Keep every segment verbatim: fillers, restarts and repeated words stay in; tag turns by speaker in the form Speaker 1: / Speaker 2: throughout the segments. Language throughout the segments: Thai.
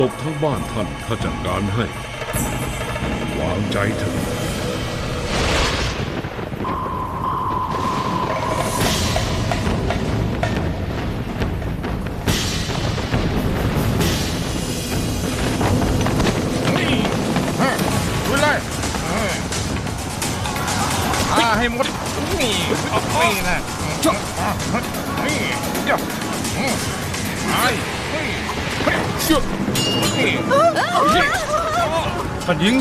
Speaker 1: ตบทั้งบ้านท่านข้าจัดการให้วางใจเถอะ
Speaker 2: ดูเลยอาให้หมดนี่นี่นะนี่เดี๋ยวไอ้เชื่อนี่ท่านหญิง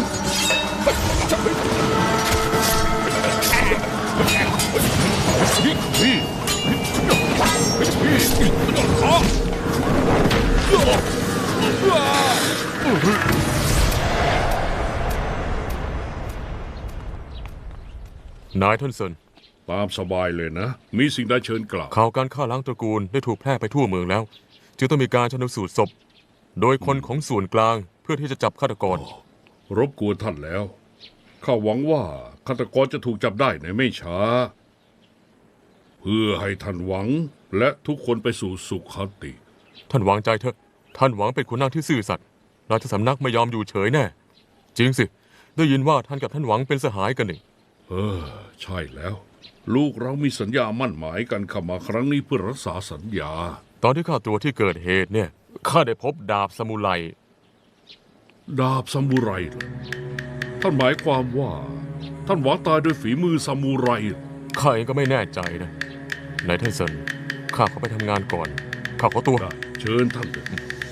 Speaker 3: นายท่านเซิน
Speaker 1: ตามสบายเลยนะมีสิ่งใดเชิญกล่าว
Speaker 3: ข่าวการฆ่าล้างตระกูลได้ถูกแพร่ไปทั่วเมืองแล้วจึงต้องมีการชันสูตรศพโดยคนของส่วนกลางเพื่อที่จะจับฆาตกร
Speaker 1: รบกวนท่านแล้วข้าหวังว่าฆาตกรจะถูกจับได้ในไม่ช้าเพื่อให้ท่านหวังและทุกคนไปสู่สุขติ
Speaker 3: ท่านวางใจเถอะท่านหวังเป็นขุนนางที่ซื่อสัตย์ราชสำนักไม่ยอมอยู่เฉยแน่จริงสิได้ยินว่าท่านกับท่านหวังเป็นสหายกันนี่
Speaker 1: เออใช่แล้วลูกเรามีสัญญามั่นหมายกันเข้ามาครั้งนี้เพื่อรักษาสัญญา
Speaker 3: ตอนที่ข้าตัวที่เกิดเหตุเนี่ยข้าได้พบดาบซามูไร
Speaker 1: ดาบซามูไรท่านหมายความว่าท่านหวังตายด้วยฝีมือซามูไร
Speaker 3: ข้าเองก็ไม่แน่ใจนะนายท่านเซินข้าขอไปทำงานก่อนข้าขอตัว
Speaker 1: เชิญท่านเถิด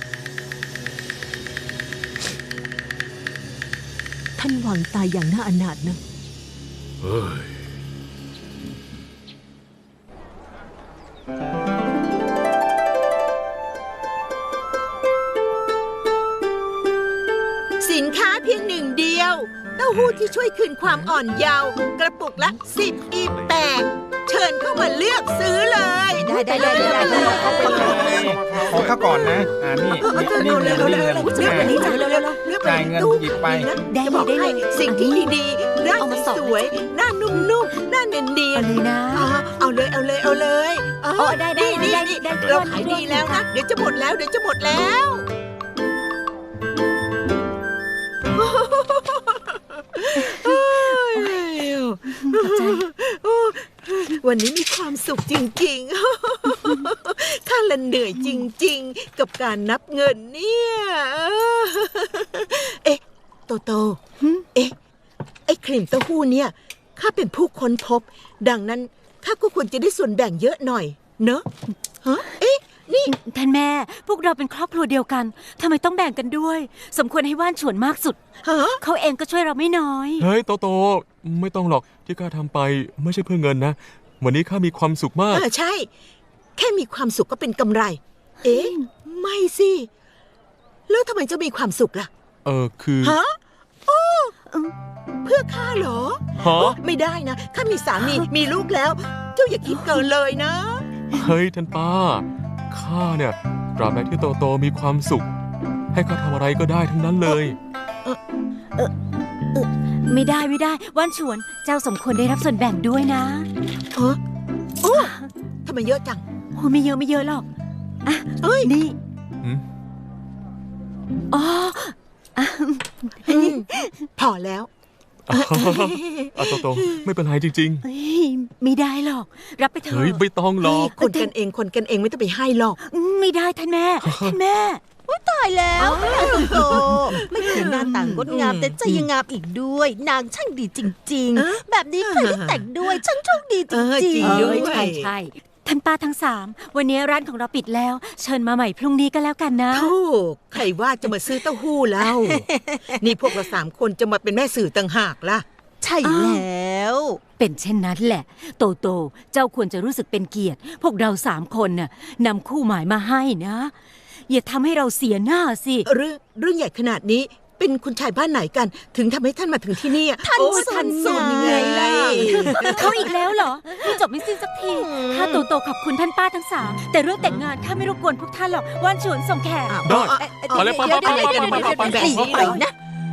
Speaker 4: ท่านหวังตายอย่างน่าอนาถนะ
Speaker 1: เฮ้ย
Speaker 5: สินค้าเพียงหนึ่งเดียวเต้าหู้ที่ช่วยคืนความอ่อนเยาว์กระปุกละสิบอีแปดเชิญเข้ามาเลือกซื้อเลย
Speaker 4: ได้ได้ได้ได้ได้
Speaker 2: ขอข้าก่อนนะอ่านี่นี่เงินนี่เงิน
Speaker 5: เลือกอันนี้จ่ายเร็วๆ
Speaker 2: จ่ายเงินหยิบไป
Speaker 5: ได้บอกให้สิ่งที่ดีๆร่างสวยหน้านุ่มๆหน้าเนียนๆ
Speaker 4: เลยนะ
Speaker 5: เอาเลยเอาเลยเอาเลย
Speaker 4: อ๋อได้ได้ได้ได้
Speaker 5: เราขายดีแล้วนะเดี๋ยวจะหมดแล้วเดี๋ยวจะหมดแล้ววันนี้มีความสุขจริงๆข้าละเหนื่อยจริงๆกับการนับเงินเนี่ยเอ๊ะโตโตเอ๊ะไอ้ครีมเต้าหู้เนี่ยข้าเป็นผู้ค้นพบดังนั้นข้าก็ควรจะได้ส่วนแบ่งเยอะหน่อยเนอะฮะเอ๊ะนี่
Speaker 4: ท่านแม่พวกเราเป็นครอบครัวเดียวกันทำไมต้องแบ่งกันด้วยสมควรให้ว่านฉวนมากสุดเขาเองก็ช่วยเราไม่น้อย
Speaker 3: เฮ้ยโตโตไม่ต้องหรอกที่ข้าทำไปไม่ใช่เพื่อเงินนะวันนี้ข้ามีความสุขมาก
Speaker 5: เออใช่แค่มีความสุขก็เป็นกำไรเอ๊ะไม่สิแล้วทำไมจะมีความสุขล่ะ
Speaker 3: เออคือ
Speaker 5: ฮะโอ้เพื่อข้าเหรอ
Speaker 3: ฮะ
Speaker 5: ไม่ได้นะข้ามีสามีมีลูกแล้วเจ้าอย่าคิดเกินเลยนะ
Speaker 3: เฮ้ยท่านป้าข้าเนี่ยตราบใดที่โตโตมีความสุขให้ข้าทำอะไรก็ได้ทั้งนั้นเลย
Speaker 4: เออเออเออไม่ได้ไม่ได้ว่านฉวนเจ้าสมควรได้รับส่วนแบ่งด้วยนะ
Speaker 5: เออโอ้ทำไมเยอะจัง
Speaker 4: โอ้ไม่เยอะไม่เยอะหรอกอ่ะ
Speaker 5: เอ้ย
Speaker 4: นี่อ๋อ
Speaker 5: พอแล้ว
Speaker 3: อะโตโตไม่เป็นไรจริง
Speaker 4: ๆไม่ได้หรอกรับไปเถอะ
Speaker 3: เฮ้ยไม่ต้องหรอก
Speaker 5: คนกันเองคนกันเองไม่ต้องไปให้หรอก
Speaker 4: ไม่ได้ท่านแม่ท่านแม่
Speaker 6: ว่าตายแล้วโตไม่เพียงหน้าต่างงดงามแต่ใจยังงามอีกด้วยนางช่างดีจริงๆแบบนี้ใครได้แต่งด้วยช่างโชคดีจริง
Speaker 4: ๆด้วยใช่ใช่ท่านป้าทั้งสามวันนี้ร้านของเราปิดแล้วเชิญมาใหม่พรุ่งนี้ก็แล้วกันนะ
Speaker 5: ถูกใครว่าจะมาซื้อเต้าหู้แล้วนี่พวกเราสามคนจะมาเป็นแม่สื่อต่างหากล่ะ
Speaker 6: ใช่แล้ว
Speaker 4: เป็นเช่นนั้นแหละโตโตเจ้าควรจะรู้สึกเป็นเกียรติพวกเราสามคนน่ะนำคู่หมายมาให้นะอย่าทำให้เราเสียหน้าสิ
Speaker 5: เรื่องเรื่องใหญ่ขนาดนี้เป็นคุณชายบ้านไหนกันถึงทำให้ท่านมาถึงที่นี่
Speaker 6: ท่านท่านสนยังไงล่ะ
Speaker 4: เขาอีกแล้วเหรอไม่จบไม่สิ้นสักทีข้าโตโตขอบคุณท่านป้าทั้งสามแต่เรื่องแต่งงานข้าไม่รบกวนพวกท่านหรอกว่านฉวนส่งแขก
Speaker 3: ได้ไปเลยไปไปไปไปไปไป
Speaker 6: ไปนะโธ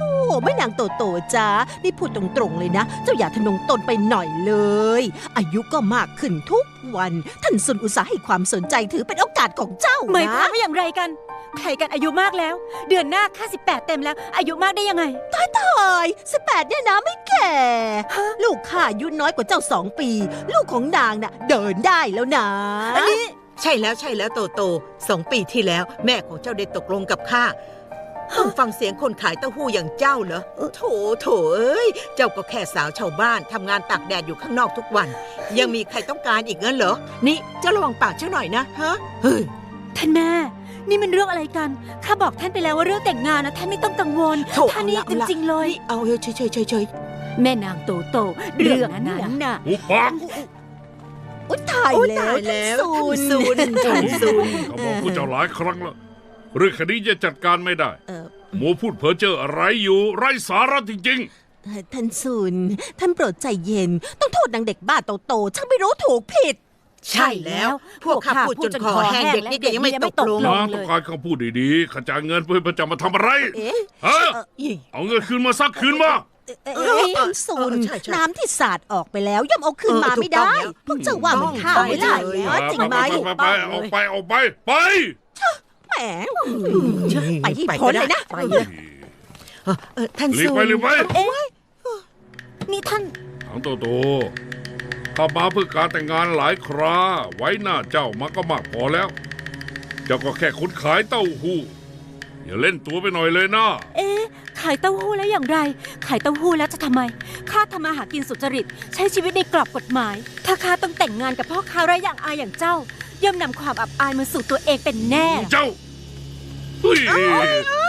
Speaker 6: โอ้แม่นางโตโตจ้านี่พูดตรงๆเลยนะ เจ้าอย่าทะนงตนไปหน่อยเลย อายุก็มากขึ้นทุกวัน ท่านซุนอุตสาห์ให้ความสนใจถือเป็นโอกาสของเจ้า
Speaker 4: หมายความ
Speaker 6: นะ
Speaker 4: ว่าอย่างไรกัน ใครกันอายุมากแล้ว เดือนหน้าข้าสิบแปดเต็มแล้ว อายุมากได้ยังไง
Speaker 6: ตายสิบแปดเนี่ยนะไม่แก่ ลูกข้าอายุน้อยกว่าเจ้าสองปี ลูกของนางน่ะเดินได้แล้วนะ
Speaker 4: อันนี้
Speaker 5: ใช่แล้วใช่แล้วโตโตสองปีที่แล้ว แม่ของเจ้าได้ตกลงกับข้าต้องฟังเสียงคนขายเต้าหู้อย่างเจ้าเหรอโถโถเอ้ยเจ้าก็แค่สาวชาวบ้านทำงานตากแดดอยู่ข้างนอกทุกวัน ยังมีใครต้องการอีกงั้นเหรอนี่เจ้าระวังปากเจ้าหน่อยนะฮะเฮ้ย
Speaker 4: ท่านแม่ นี่มันเรื่องอะไรกัน ข้าบอกท่านไปแล้วว่าเรื่องแต่งงานนะท่านไม่ต้องกังวล
Speaker 5: โถ
Speaker 4: ท่านนี่
Speaker 5: เอา
Speaker 4: จ
Speaker 5: ละ
Speaker 4: ริงๆเลย
Speaker 5: นี่เอาเฮ้ยเฉยเฉยเฉยเฉย
Speaker 4: แม่นางโตโตเรื่องนั้นน่ะ
Speaker 1: อุปาก
Speaker 6: อุ๊ยตาย
Speaker 5: โอ้
Speaker 6: แล้ว
Speaker 5: ตายแล้ว
Speaker 6: ท่าน
Speaker 5: ท่านซุนท่านซุน
Speaker 1: เขาบอกผู้เจ้าหลายครั้งแล้วเรื่องคดีจะจัดการไม่ได้
Speaker 6: เอ่อ
Speaker 1: หมูพูดเพ้อเจ้ออะไรอยู่ ไร้สาระจริง
Speaker 6: เอ่อท่านซุนท่านโปรดใจเย็น ต้องโทษนางเด็กบ้าโตๆช่างไม่รู้ถูกผิด
Speaker 5: ใช่แล้ว พวกข้าพูดจนคอแห้งเด็กนี่ก็ยังไม่ตกลง
Speaker 1: ๆนางต้องการคำพูดดีๆขจายเงินเพื่อจะมาทำอะไร
Speaker 6: เอ๊ะ
Speaker 1: ฮะ
Speaker 5: อี
Speaker 1: เอาเงินคืนมาซักคืนมา
Speaker 6: เอ๊ะท่านซุน
Speaker 5: เออใช่ใช่
Speaker 6: น้ำที่สาดออกไปแล้วย่อมเอาคืนมาไม่ได้
Speaker 5: เออถูกต้องแล้ว
Speaker 6: พวกเจ้าว่ามันข้าวไม่ได้
Speaker 5: ถูกต้อง
Speaker 6: เหรอจริงไหม
Speaker 1: ไปไปไปออกไปออกไปไป
Speaker 6: แหมไปที่พ้นเลยนะ
Speaker 5: ไปเลยเออเออท่าน
Speaker 1: หลีก
Speaker 5: ซุน
Speaker 1: ไปหลีกไป
Speaker 4: นี่ท่าน
Speaker 1: ถังโตโตข้ามาเพื่อการแต่งงานหลายครา ไว้หน้าเจ้ามาก็มากพอแล้ว เจ้าก็แค่คนขายเต้าหู้อย่าเล่นตัวไปหน่อยเลยนะ
Speaker 4: เอ๊ะ ขายเต้าหู้แล้วอย่างไร ขายเต้าหู้แล้วจะทำไม ข้าทำมาหากินสุจริต ใช้ชีวิตในกรอบกฎหมาย ถ้าข้าต้องแต่งงานกับพ่อค้าไร้อย่างอายอย่างเจ้า ย่อมนำความอับอายมาสู่ตัวเองเป็นแน่
Speaker 1: เจ้าเฮ้ย